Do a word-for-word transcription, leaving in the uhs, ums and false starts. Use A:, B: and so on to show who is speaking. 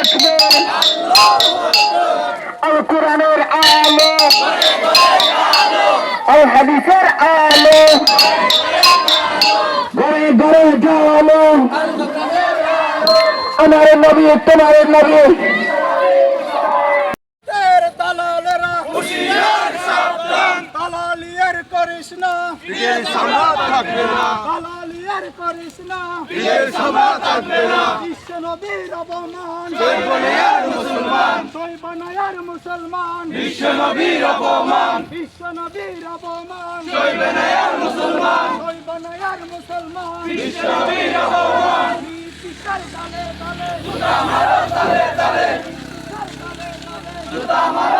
A: আসবে আল কোরআনের আলো আল হাদিসের আলো ঘরে ঘরে জালো আমার নবী তোমার নবী
B: দালালেরা হুঁশিয়ার সাবধান দালালিয়ার করিস না
C: পীরের সামরা থাকবে না
B: দালালিয়ার করিস না
C: পীরের সামরা থাকবে না
B: বিশ্ব নবীর অপমান
C: সর্বনিয়ার মুসলমান
B: সৈবনায়ার মুসলমান
C: বিশ্ব নবীর অপমান
B: বিশ্ব নবীর অপমান
C: সর্বনিয়ার মুসলমান
B: সৈবনায়ার মুসলমান
C: বিশ্ব নবীর অপমান
B: পিতার দালে দালে
C: জুতা মারো তালে তালে জুতা মারো